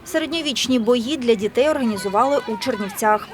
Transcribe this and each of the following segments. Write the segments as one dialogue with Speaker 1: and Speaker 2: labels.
Speaker 1: Середньовічні бої для дітей організували у Чернівцях.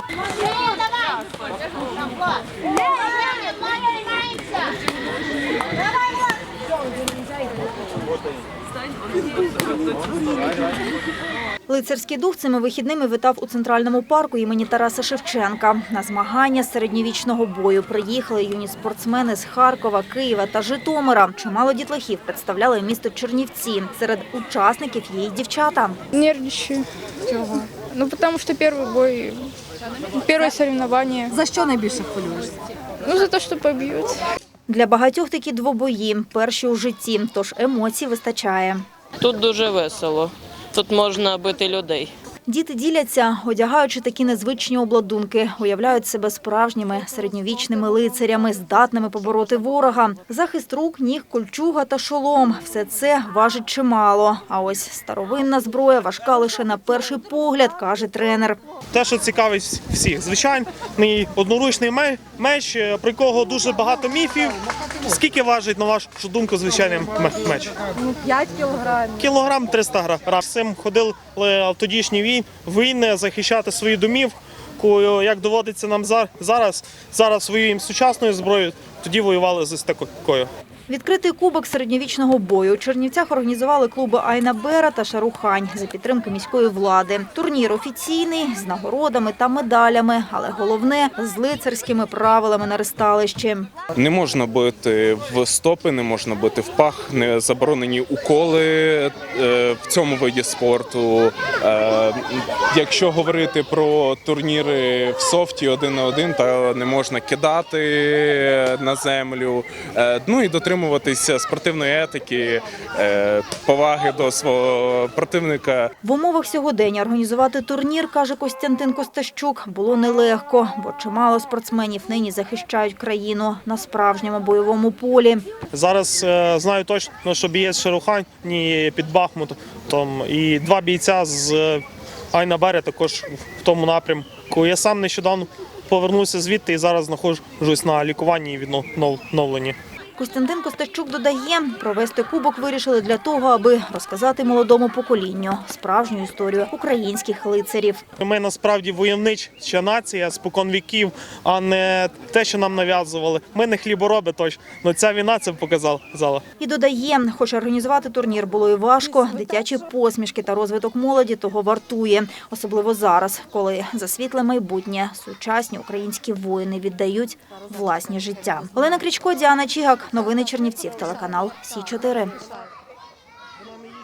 Speaker 1: Лицарський дух цими вихідними витав у Центральному парку імені Тараса Шевченка. На змагання з середньовічного бою приїхали юні спортсмени з Харкова, Києва та Житомира. Чимало дітлахів представляли місто Чернівці. Серед учасників є й дівчата.
Speaker 2: Нервничаю. Чого? Ну, тому що перший бой, перше соревновання.
Speaker 3: За що найбільше хвилюєшся?
Speaker 2: Ну, за те, що поб'ють.
Speaker 1: Для багатьох такі двобої – перші у житті, тож емоцій вистачає.
Speaker 4: Тут дуже весело. Тут можна бити людей.
Speaker 1: Діти діляться, одягаючи такі незвичні обладунки, уявляють себе справжніми середньовічними лицарями, здатними побороти ворога. Захист рук, ніг, кольчуга та шолом – все це важить чимало. А ось старовинна зброя важка лише на перший погляд, каже тренер.
Speaker 5: Те, що цікавить всіх, звичайний одноручний меч, про якого дуже багато міфів. Скільки важить, на вашу думку, звичайний меч?
Speaker 3: 5 кілограмів.
Speaker 5: Кілограм 300 грам. З цим ходили в тодішні війни захищати свою домівку. Як доводиться нам зараз воюємо сучасною зброєю, тоді воювали з такою.
Speaker 1: Відкритий кубок середньовічного бою у Чернівцях організували клуби «Айна Бера» та «Шарухань» за підтримки міської влади. Турнір офіційний, з нагородами та медалями, але головне – з лицарськими правилами на ресталищі.
Speaker 6: Не можна бити в стопи, не можна бити в пах, не заборонені уколи в цьому виді спорту. Якщо говорити про турніри в софті 1 на 1, то не можна кидати на землю. Ну і дотримуватися спортивної етики, поваги до свого противника.
Speaker 1: В умовах сьогодення організувати турнір, каже Костянтин Костащук, було нелегко, бо чимало спортсменів нині захищають країну на справжньому бойовому полі.
Speaker 5: Зараз знаю точно, що бієць Шарухані під Бахмутом і 2 бійця з «Айна Бера» також в тому напрямку. Я сам нещодавно повернувся звідти і зараз знаходжусь на лікуванні і відновленні.
Speaker 1: Костянтин Костащук додає, провести кубок вирішили для того, аби розказати молодому поколінню справжню історію українських лицарів.
Speaker 5: Ми насправді войовнича нація спокон віків, а не те, що нам нав'язували. Ми не хлібороби точно, але ця війна це показала.
Speaker 1: І додає, хоч організувати турнір було і важко, дитячі посмішки та розвиток молоді того вартує. Особливо зараз, коли за світле майбутнє сучасні українські воїни віддають власні життя. Олена Крічко, Діана Чігак. Новини Чернівців, телеканал Сі 4.